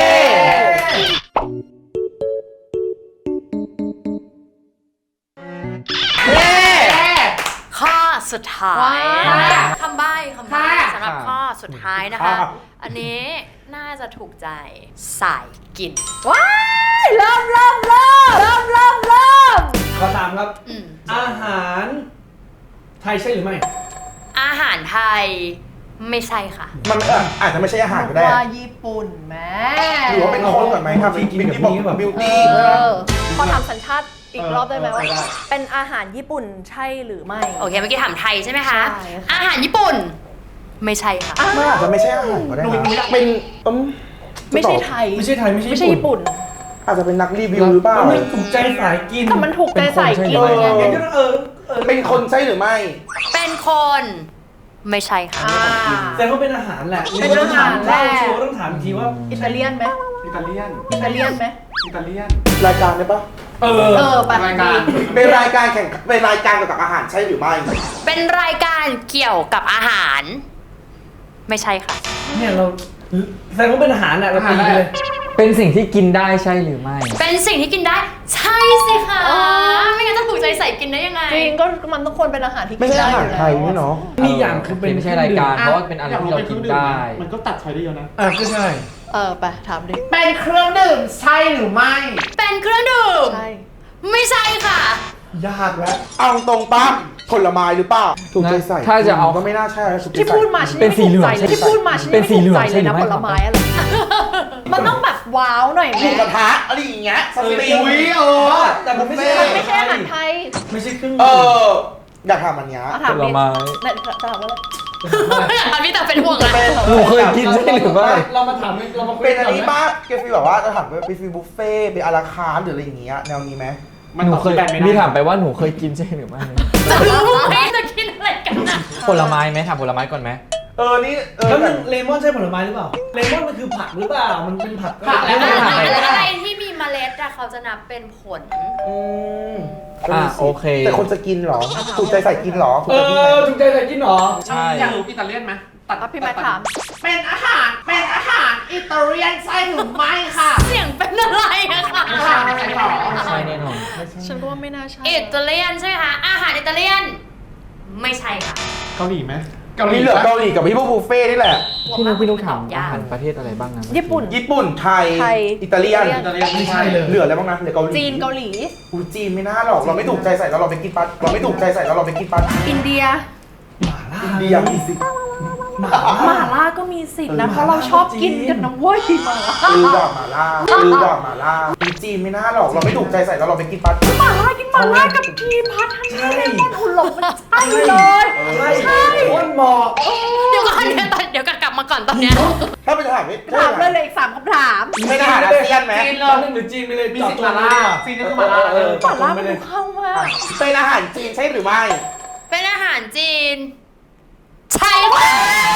[SPEAKER 3] เย้
[SPEAKER 2] ข้อสุดท้าย
[SPEAKER 1] ว้าว
[SPEAKER 2] คำใบ้คำใบ้
[SPEAKER 6] ค่ะ
[SPEAKER 2] สำหรับข้อสุดท้ายนะคะ อันนี้น่าจะถูกใจสายกิน
[SPEAKER 1] ว้ายเริ่มเริ่มเริ่มเริ่มเริ่มเริ่ม
[SPEAKER 4] ข้อสามครับ
[SPEAKER 2] อืม
[SPEAKER 4] อาหารไทยใช่หรือไม่
[SPEAKER 2] อาหารไทยไม่ใช่ค่ะ
[SPEAKER 3] มันเอ่ออาจจะไม่ใช่อาหารก็ได้
[SPEAKER 1] ว่าญี่ปุ่นแม่
[SPEAKER 3] หรือว่าเป็นคนก่อนไหมครับ
[SPEAKER 4] ที่กิน
[SPEAKER 3] บิวตี้
[SPEAKER 4] แบบนี้แบบ
[SPEAKER 3] บิว
[SPEAKER 1] เอ
[SPEAKER 3] ตี้
[SPEAKER 1] อขอถามสัญชาติอีกรอบได้ไหม
[SPEAKER 3] เออ
[SPEAKER 1] ว่า
[SPEAKER 3] ได้
[SPEAKER 1] เป็นอาหารญี่ปุ่นใช่หรือไม่
[SPEAKER 2] โอเคเมื่อกี้ถามไทยใช่ไหมคะ
[SPEAKER 1] ใช่ค่ะ
[SPEAKER 2] อาหารญี่ปุ่น ไม่ใช่ค่ะ
[SPEAKER 3] มันอาจจะไม่ใช่อาหารก็ได้นะเป็นอืม
[SPEAKER 1] ไม่ใช่ไทย
[SPEAKER 4] ไม่ใช่ไทยไม่ใช่
[SPEAKER 1] ไม่ใช่ญี่ปุ่น
[SPEAKER 3] อาจจะเป็นนักรีวิวหรือเปล่า
[SPEAKER 4] มันถูกใจสายกิน
[SPEAKER 1] แต่มันถูกใจใส่กิน
[SPEAKER 3] เป็นคนใช่ไหม
[SPEAKER 1] ไง
[SPEAKER 4] งั้นก็ต้องเออเออ
[SPEAKER 3] เป็นคนใช่หรือไม่
[SPEAKER 2] เป็นคนไม่ใช่ค่ะ
[SPEAKER 1] อ่า
[SPEAKER 4] แต่ก็เป็นอาหารแหละ
[SPEAKER 1] เป็นอาหารแหละ
[SPEAKER 4] เล่าโชว์ต้องถามอีกทีว่า
[SPEAKER 1] อิตาเลียนไหม
[SPEAKER 6] อิตาเลียน
[SPEAKER 1] อิตาเลียนไหม
[SPEAKER 6] อิตาเลียน
[SPEAKER 3] รายการได้ปะ
[SPEAKER 4] เออ
[SPEAKER 1] เออไป
[SPEAKER 6] รายการ
[SPEAKER 3] เป็นรายการแข่งเป็นรายการเกี่ยวกับอาหารใช่หรือไม่
[SPEAKER 2] เป็นรายการเกี่ยวกับอาหาร ไม่ใช่ค่ะ
[SPEAKER 4] เนี่ยเราแสดงว่าเป็นอาหารน่ะเราตีไปเลย
[SPEAKER 5] เป็นสิ่งที่กินได้ใช่หรือไม่
[SPEAKER 2] เป็นสิ่งที่กินได้ ใช่สิคะไม่งั้นจะถูกใจใส่กินได้ยังไง
[SPEAKER 1] จริงก็มันต้องควรเป็นอาหารที่
[SPEAKER 3] ไม่
[SPEAKER 1] กิน
[SPEAKER 3] ใช่
[SPEAKER 1] ได้
[SPEAKER 3] อา
[SPEAKER 1] อ
[SPEAKER 3] หาร
[SPEAKER 1] ยู่
[SPEAKER 3] ไท
[SPEAKER 1] แล้
[SPEAKER 3] ยว นี่เนาะ
[SPEAKER 4] มีอย่างคือเป็น
[SPEAKER 5] ไม่ใช่รายการ เพราะว่าเป็นอะไรที่เรากินได้
[SPEAKER 6] มันก็ตัดใช้ได้เยอะนะ
[SPEAKER 4] อ่ะก็ใช่
[SPEAKER 1] เออไปถามดิ
[SPEAKER 6] เป็นเครื่องดื่มใช่หรือไม่
[SPEAKER 2] เป็นเครื่องดื่ม
[SPEAKER 1] ใช่
[SPEAKER 2] ไม่ใช่ค่ะ
[SPEAKER 4] ยากแล้ว
[SPEAKER 3] เอาตรงปั๊บผลไม้หรือเปล่า ถูกใจใส่
[SPEAKER 5] ถ้าจะเอา
[SPEAKER 3] ก็ไม่น่าใช่ถูกใจ
[SPEAKER 1] ที่
[SPEAKER 3] ใส่
[SPEAKER 1] พูดมาฉัน
[SPEAKER 5] เป็นสีเหลือง
[SPEAKER 1] ไม่ถูกใจเลยที่พูดมาฉัน
[SPEAKER 5] เป็น
[SPEAKER 1] ไม่
[SPEAKER 5] สี
[SPEAKER 1] ถู
[SPEAKER 5] เหลื
[SPEAKER 1] ก
[SPEAKER 5] อง
[SPEAKER 1] ใจ
[SPEAKER 5] ใช่
[SPEAKER 1] เลย
[SPEAKER 5] หรือ
[SPEAKER 1] นะ
[SPEAKER 5] ไม่
[SPEAKER 1] ผลไม้อะไรมันต้องแบบว้าวหน่อย
[SPEAKER 3] หมู
[SPEAKER 1] แม่
[SPEAKER 3] กระทะอะไรอย่างเงี้ยสตรีม
[SPEAKER 6] อุ้ยเออ
[SPEAKER 4] แต่มันไม่ใช่
[SPEAKER 1] มันไม่ใช่อาหารไทย
[SPEAKER 4] ไม่ใช่เครื่อง
[SPEAKER 3] เอ
[SPEAKER 4] ดื่ม
[SPEAKER 3] ออยากทำอันเนี้ย
[SPEAKER 1] เอาถาม
[SPEAKER 5] ผล
[SPEAKER 1] ดิ
[SPEAKER 5] ไม้
[SPEAKER 1] เนี่ยจะถามว่าอะไร
[SPEAKER 2] อันนี้แต่เป็นห่วงนะ
[SPEAKER 5] หนูเคยกินใช่หรือไม่
[SPEAKER 4] เรามาถามเรามาคุย
[SPEAKER 3] เป็นอัน
[SPEAKER 4] กั
[SPEAKER 3] นี้
[SPEAKER 4] ไหม
[SPEAKER 3] บ้างเกฟีแบบว่าจะถามว่าเป็นฟีบุฟเฟ่ต์เป็นอาราคาร์ทหรืออะไรอย่างเงี้ยแนวนี้ไหม
[SPEAKER 6] มัน
[SPEAKER 5] หนู
[SPEAKER 6] ตอบ
[SPEAKER 5] เคย
[SPEAKER 6] ที่แบนไม่ได้
[SPEAKER 5] มีถามไปว่าหนูเคยกินใช่หรือไม่
[SPEAKER 2] จะรู้ไหมจะกินอะไรกันนะ
[SPEAKER 5] ผลไม้ไหมถามผลไม้ก่อนไหม
[SPEAKER 3] เออนี่เออ
[SPEAKER 4] แล้ว
[SPEAKER 3] แบ
[SPEAKER 4] นึ
[SPEAKER 3] บ
[SPEAKER 4] งเลมอนใช่ผลไม้หรือเปล่า เลมอนมันคือผักหรือเปล่า มันเป็นผัก
[SPEAKER 6] ผัก
[SPEAKER 2] อะ
[SPEAKER 6] แล้ว
[SPEAKER 2] ไร
[SPEAKER 6] ม่
[SPEAKER 2] อะไรที่มีเมล็ดอะเขาจะนับเป็นผล
[SPEAKER 3] อืม
[SPEAKER 5] อ่ะโอเค
[SPEAKER 3] แต่คนจะกินเหรอ ถูกใจใส่กินเหรอถูก
[SPEAKER 4] เอ
[SPEAKER 3] ใจกินไหม
[SPEAKER 4] อถูกใจใส่กินเหรอ
[SPEAKER 5] ใช่
[SPEAKER 6] อยากรู้อิตาเลียนไหมตัด
[SPEAKER 1] อ่ะพี่แม่ถาม
[SPEAKER 6] เป็นอาหาร เป็นอาหารอิตาเลียนใช่หรือไม่ค่ะ
[SPEAKER 2] เสียงเป็นอะไรอะคะ
[SPEAKER 6] ใช่หรอ
[SPEAKER 5] ใช่แน่นอน
[SPEAKER 1] ฉันก็ว่าไม่น่าใช่
[SPEAKER 2] อิตาเลียนใช่ไหมคะ อาหารอิตาเลียน ไม่ใช่ค่ะ
[SPEAKER 6] เกาหลีไหม
[SPEAKER 3] มีเหลือเกาหลีกับพี่พวกบุฟเฟ่ต์นี่แหละ
[SPEAKER 5] พี่นุ๊กพี่นุ๊กถาม
[SPEAKER 2] ยา
[SPEAKER 5] อาก หารประเทศอะไรบ้างนะ
[SPEAKER 1] ญี่ปุ่น
[SPEAKER 3] ญี่ปุ่นไทย
[SPEAKER 1] ไทย
[SPEAKER 3] อิตาเลียน
[SPEAKER 6] อิตาเลียนไม่ใช่
[SPEAKER 4] เลย
[SPEAKER 3] เหลืออะไรบ้างนะเหลือเกาหลี
[SPEAKER 1] จีนเกาหลี
[SPEAKER 3] อูจีนไม่น่าหรอก เราไม่ถูกใจใส่แล้วเราไปกินปัดเราไม่ถูกใจใส่แล้วเราไปกินปัด
[SPEAKER 1] อินเดีย
[SPEAKER 4] หมาล่า
[SPEAKER 3] อินเดียมีสิ
[SPEAKER 4] หมา
[SPEAKER 1] หม่าล่าก็มีสิทธิ์นะ เพราะเราชอบกินกันนะเว้ยหม่าล่า
[SPEAKER 3] ลือดอกหมาล่าลือดอกหมาล่าอูจีนไม่น่าหรอก เราไม่ถูกใจใส่แล้วเราไปกินปัด
[SPEAKER 1] หม่าล่ากินหม่าล่ากับทีพัทฮันนี่เลมอนอุ่นหลงมันใช่เลย
[SPEAKER 4] ใช่ใช่คนหมอก
[SPEAKER 2] เดี๋ยวก่อนเดี๋ยวก่อนเดี๋ยวก่อนกลับมาก่อนตอนเนี้ย
[SPEAKER 3] ถ้าเป็นถามไม่
[SPEAKER 1] ถามเลยเลยอีกสามคำถาม
[SPEAKER 3] ไม่ได้อาหารอาเซียนไหม
[SPEAKER 6] จีนเล
[SPEAKER 4] ตอย นนึงหรือจีนไปเลย
[SPEAKER 6] มี
[SPEAKER 4] ตอบ
[SPEAKER 6] สิท
[SPEAKER 4] ตร
[SPEAKER 6] ธิ์
[SPEAKER 4] ง
[SPEAKER 6] มา
[SPEAKER 4] ไป
[SPEAKER 6] ล่า
[SPEAKER 4] เลย
[SPEAKER 6] ซีนก็คือมาล่า
[SPEAKER 4] เออ
[SPEAKER 1] หม่าล่ามันดูเข้ามาก
[SPEAKER 3] เป็นอาหารจีนใช่หรือไม่
[SPEAKER 2] เป็นอาหารจีน ใช่ค่ะ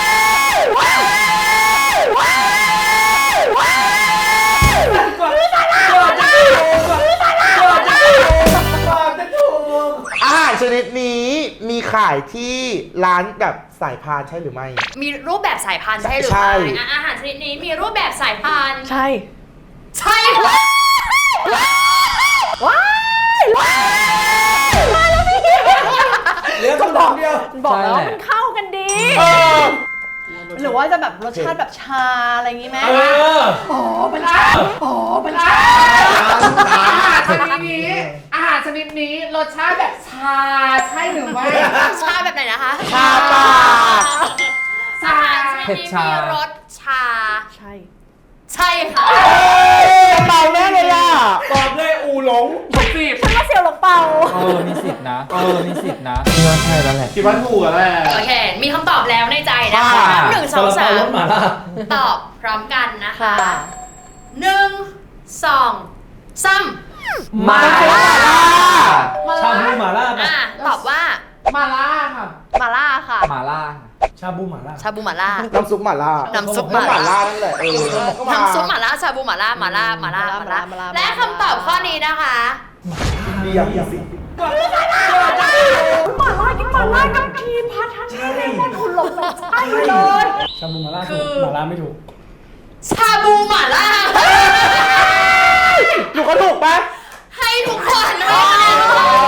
[SPEAKER 3] อาหารชนิดนี้มีขายที่ร้านแบบสายพานใช่หรือไม่
[SPEAKER 2] มีรูปแบบสายพันธุ์ใช่หรือ
[SPEAKER 3] ใช่
[SPEAKER 2] ไม่อ่ะอาหารชนิดนี้มีรูปแบบสายพันธุ์
[SPEAKER 1] ใช่
[SPEAKER 2] ใช่ค่ะ
[SPEAKER 1] ว้ายว้ายมาแล้วพี่
[SPEAKER 4] เหลือคำถามเดียว
[SPEAKER 1] บอกแล้วว่า
[SPEAKER 5] ใช่
[SPEAKER 1] มันเข้ากันดี
[SPEAKER 3] เออ
[SPEAKER 1] หรือว่าจะแบบรสชาติแบบชาอะไรอย่างงี้ไหม
[SPEAKER 4] เออ
[SPEAKER 1] อ๋อเป็นชาอ๋อเป็นชา
[SPEAKER 6] อาหารชนิดนี้ อาหารชนิดนี้รสชาติแบบชาใช่หรือไม่
[SPEAKER 2] ชาแบบไหนนะคะ
[SPEAKER 3] ชาปาก
[SPEAKER 2] อาหารชนิด
[SPEAKER 5] เผ็ด
[SPEAKER 2] นี้
[SPEAKER 5] ชามี
[SPEAKER 2] มีรสชา
[SPEAKER 1] ใช่
[SPEAKER 2] ใช่ค่ะ
[SPEAKER 3] เมาแน่เลยอ่ะ
[SPEAKER 4] ตอบเลยอูหลง
[SPEAKER 6] ผมจีบ
[SPEAKER 1] เฉลยวหลงเปล่า
[SPEAKER 5] เออ มีสิทธินะ เออ มีสิทธินะพี่ว่าใช่แล้วแหละ
[SPEAKER 6] คิดว่าถูกแล้วแหละ
[SPEAKER 2] โอเค มีคำตอบแล้วในใจนะคะ
[SPEAKER 5] ค่ะ
[SPEAKER 2] หนึ่งสองสาม
[SPEAKER 4] รสหมาล่า
[SPEAKER 2] ตอบพร้อมกันนะคะ
[SPEAKER 1] ค่ะ
[SPEAKER 2] หนึ่งสองสาม
[SPEAKER 5] มาล่า
[SPEAKER 4] ชาบูหมาล่าปะ
[SPEAKER 2] อ่ะตอบว่า
[SPEAKER 6] มาล่าค่ะ
[SPEAKER 1] มาล่าค่ะ
[SPEAKER 5] มาล่า
[SPEAKER 4] ชาบูหมาล่า
[SPEAKER 2] ชาบูหม่าล่า
[SPEAKER 3] น้ำซุปหม่าล่า
[SPEAKER 2] น้ำซุปห
[SPEAKER 3] ห
[SPEAKER 2] ม่า
[SPEAKER 3] ม่า
[SPEAKER 2] ล่า
[SPEAKER 3] ล่านั่นแหละเออก็มา
[SPEAKER 2] น้ำซุปหม่าล่าชาบูหม่าล่าหม่าล่าหม่าล่าหม่าล่า
[SPEAKER 1] หม่าล่าหม่าล่า
[SPEAKER 2] และคำตอบข้อนี้นะคะ
[SPEAKER 3] เดียวอีสิ
[SPEAKER 1] หมาล่ากินหมาล่ากับทีมพัฒนาเลมอนคุณหลงแบบใช่เลย
[SPEAKER 4] ชาบูหมาล่า
[SPEAKER 2] คื
[SPEAKER 4] ถู
[SPEAKER 2] อ
[SPEAKER 4] กหมาล่าไม่ถูก
[SPEAKER 2] ชาบูหม่าล่า
[SPEAKER 3] หนูก็ถูกปะ
[SPEAKER 2] ให้ทุกคนให้คะแนน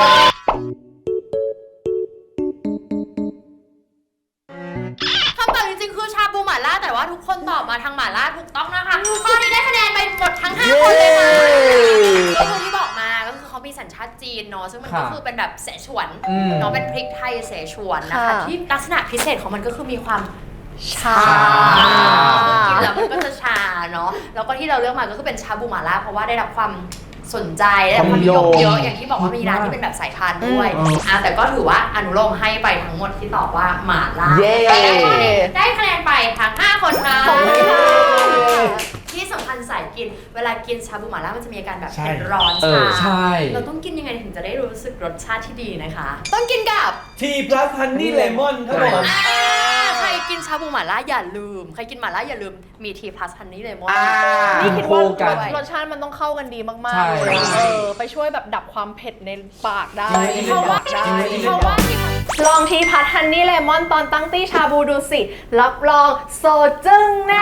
[SPEAKER 2] คำตอบจริงๆคือชาบูหม่าล่าแต่ว่าทุกคนตอบมาทางหม่าล่าถูกต้องนะคะข้อนี้ได้คะแนนไปหมดทั้งห้าคนเลยค่ะก็คือที่บอกมาก็คือเขามีสัญชาติจีนเนาะซึ่งมันก็
[SPEAKER 5] ค่ะ
[SPEAKER 2] คือเป็นแบบเสฉวน
[SPEAKER 5] อืม
[SPEAKER 2] เนาะเป็นพริกไทยเสฉวนนะคะ
[SPEAKER 1] ค่ะ
[SPEAKER 2] ที่ลักษณะพิเศษของมันก็คือมีความ
[SPEAKER 1] ชา
[SPEAKER 2] กินแล้วมันก็จะชาเนาะแล้วก็ที่เราเลือกมาก็คือเป็นชาบูหม่าล่าเพราะว่าได้รับความสนใจได้รับความนิยมเยอะอย่างที่บอกว่ามีร้านที่เป็นแบบสายพานด้วยอ่ะแต่ก็ถือว่าอนุโลมให้ไปทั้งหมดที่ตอบว่าหม่าล่า
[SPEAKER 3] เย้
[SPEAKER 2] ได้คะแนนไปทั้งห้าคนค่ะ
[SPEAKER 1] ขอบคุณค่ะ
[SPEAKER 2] ที่สำคัญสายกินเวลากินชาบูหม่าล่ามันจะมีอาการแบบ
[SPEAKER 4] ใช่
[SPEAKER 2] เป็นร้อน
[SPEAKER 5] เอ
[SPEAKER 2] ชา
[SPEAKER 5] อ ใช่
[SPEAKER 2] เราต้องกินยังไงถึงจะได้รู้สึกรสชาติที่ดีนะคะ ต้องกินกับ
[SPEAKER 4] ทีพลัสฮันนี่เลมอนครับผม
[SPEAKER 2] อ่าใครกินชาบูหม่าล่าอย่าลืม ใครกินหม่าล่าอย่าลืมมีทีพลัสฮันนี่เลมอน
[SPEAKER 3] อ่า
[SPEAKER 1] นี่คิดว่า
[SPEAKER 5] คู่กัน
[SPEAKER 1] รสชาติมันต้องเข้ากันดีมาก
[SPEAKER 5] ใช่
[SPEAKER 1] ๆเลยเออไปช่วยแบบดับความเผ็ดในปากได้
[SPEAKER 5] จริง
[SPEAKER 1] เพราะว่า
[SPEAKER 5] จริงจริง
[SPEAKER 2] เพราะว่าที่
[SPEAKER 1] ลองทีพัทฮันนี่เลมอนตอนตั้งตี้ชาบูดูสิ รับรองโซจึ้งแน่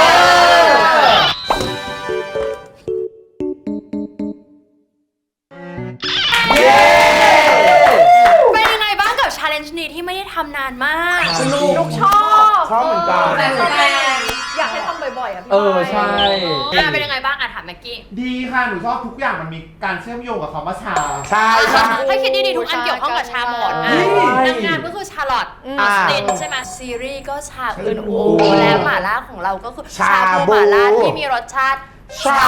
[SPEAKER 2] เป็นยังไงบ้างกับชาเลนจ์นี้ที่ไม่ได้ทำนานมาก
[SPEAKER 3] สนุ
[SPEAKER 1] ลู
[SPEAKER 3] ก
[SPEAKER 1] กชอบ
[SPEAKER 3] ชอบเหมือนกัน
[SPEAKER 6] แต่แต่
[SPEAKER 1] อยากให้ทำบ่อยๆอ่ะพี่
[SPEAKER 5] เออ ใช่
[SPEAKER 2] อ่ะเป็นยังไงบ้างอ่ะถามแม็กกี้
[SPEAKER 6] ดีค่ะ หนูชอบทุกอย่างมันมีการเชื่อมโยงกับคำว่าชา
[SPEAKER 3] ใช่ใช่
[SPEAKER 2] ให้คิดดีๆทุกอันเกี่ยวข้องกับชาหมดอ่ะ
[SPEAKER 3] ใช่
[SPEAKER 2] นางงามก็คือชาลอตออสตินใช่ไหมซีรีส์ก็ชาอึนอู
[SPEAKER 3] อืม
[SPEAKER 2] และหม่าล่าของเราก็คือ
[SPEAKER 3] ชา
[SPEAKER 2] บู
[SPEAKER 3] บู
[SPEAKER 2] หม่าล่าที่มีรสชาติ
[SPEAKER 3] ชา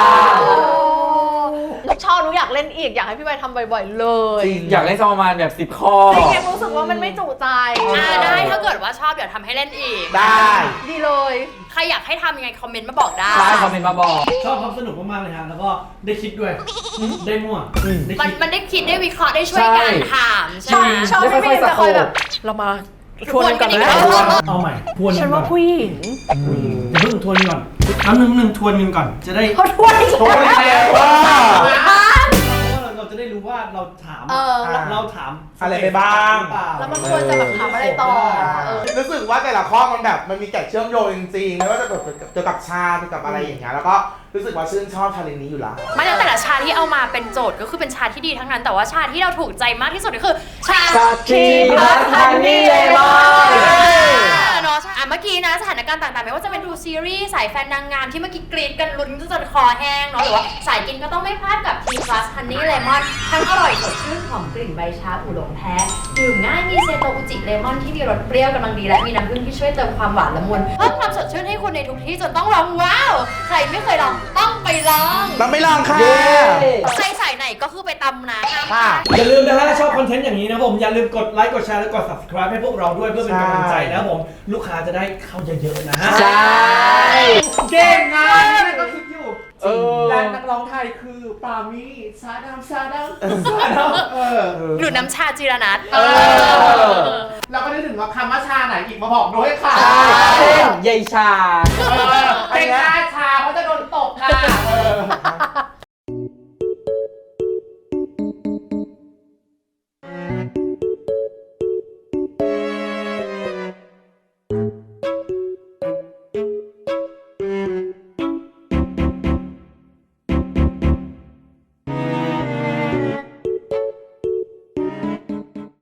[SPEAKER 1] ลูกชอบลูกอยากเล่นอีกอยากให้พี่ใบทำบ่อยๆเลย
[SPEAKER 3] จริง
[SPEAKER 5] อยากเล่นสักประมาณแบบสิบข้อ
[SPEAKER 1] จริงๆรู้สึกว่ามันไม่จุใจ
[SPEAKER 2] อ่าได้ถ้าเกิดว่าชอบเดี๋ยวทำให้เล่นอีก
[SPEAKER 3] ได้
[SPEAKER 1] ดีเลย
[SPEAKER 2] ใครอยากให้ทำยังไงคอมเมนต์มาบอกได้
[SPEAKER 5] ใช่คอมเมนต์มาบอก
[SPEAKER 4] ชอบความสนุกมากๆเลยฮะแล้วก็ได้คิดด้วย ได้มั่วได้
[SPEAKER 2] มัน
[SPEAKER 4] คิด
[SPEAKER 2] มันได้คิดได้วิเคราะห์ได้ช่วยกันถามใช่
[SPEAKER 1] ชอบ
[SPEAKER 2] ไหม
[SPEAKER 1] ชอบพี่บีมจะคอยแบบ เรามาทวนกัน
[SPEAKER 2] ทวนกันอีก
[SPEAKER 1] นะ
[SPEAKER 2] แล้ว
[SPEAKER 4] เอาใหม่ทวน
[SPEAKER 1] ฉั
[SPEAKER 4] กัน นก่
[SPEAKER 1] ว่า
[SPEAKER 4] อน
[SPEAKER 1] ผู้หญิง
[SPEAKER 4] อย่าเพิ่งทวนก่อนคำหนึ่งหนึ่งทวนกันก่อน จะได้
[SPEAKER 1] เขาทวนอีก
[SPEAKER 3] โอ้ย
[SPEAKER 1] แล้ว
[SPEAKER 3] แปลว่า
[SPEAKER 4] เราเราจะได้รู้ว่าเราถาม
[SPEAKER 1] เออ
[SPEAKER 4] เราถาม
[SPEAKER 3] อะไรไปบ้าง
[SPEAKER 4] หรือเปล่า
[SPEAKER 1] แล้วมันควรจะแบบทำอะไรต่อเออ
[SPEAKER 3] รู้สึกว่าแต่ละข้อมันแบบมันมีแก่เชื่อมโยงจริงๆไม่ว่าจะเกี่ยวกับเกี่ยวกับชาเกี่ยวกับอะไรอย่างเงี้ยแล้วก็รู้สึกว่าชื่นชอบชาเลนจ์นี้อยู่แล้ว
[SPEAKER 2] ไม่แล้วแต่ละชาที่เอามาเป็นโจทย์ก็คือเป็นชาที่ดีทั้งนั้น แต่ว่าชาที่เราถูกใจมากที่สุดก็คือ ชา
[SPEAKER 3] ชาทีพัทฮันนี่เลมอน
[SPEAKER 2] เนาะอ่ะเมื่อกี้นะสถานการณ์ต่างๆไม่ว่าจะเป็นดูซีรีส์สายแฟนนางงามที่เมื่อกี้กรีดกันลุ้นจนคอแห้งเนาะหรือว่าสายกินก็ต้องไม่พลาดกับ T Plus Honey Lemon ทั้งอร่อยสดชื่นหอมกลิ่นใบชาอูหลงแท้ดื่มง่ายมีเซโตอุจิเลมอนที่มีรสเปรี้ยวกำลังดีและมีน้ำผึ้งที่ช่วยเติมความหวานละมุนเพิ่มความสดชื่นให้คุณในทุกที่จนต้องร้องว้าวใครไม่เคยลองต้องไปลอง
[SPEAKER 3] เราไม่ลองค่ะ
[SPEAKER 2] ใครสายไหนก็คือไปตำนะ
[SPEAKER 3] ค่ะ
[SPEAKER 4] อย่าลืมนะฮะชอบคอนเทนต์อย่างนี้นะผมอย่าลืมกดไลค์กดแชร์และกด subscribe ให้พวกเราด้วยเพื่อเป็นกำลังใจนะครับผมลูกค้าจะได้เข้าเยอะๆนะฮะ
[SPEAKER 5] ใช่
[SPEAKER 6] เก่งอ่ะนี่ก็คิดอยู่
[SPEAKER 5] เออ
[SPEAKER 6] และนักร้องไทยคือปามี่ชาดำชาดำชาดำเออ
[SPEAKER 2] หรือน้ำชาจิรนัท
[SPEAKER 6] เออ เราก็ได้ถึงว่าคำว่าชาไหนอีกมาบอกด้วยค่ะ
[SPEAKER 5] เช่นยายชา
[SPEAKER 6] เออเป็นชาชาเพราะจะโดนตบค่ะเออ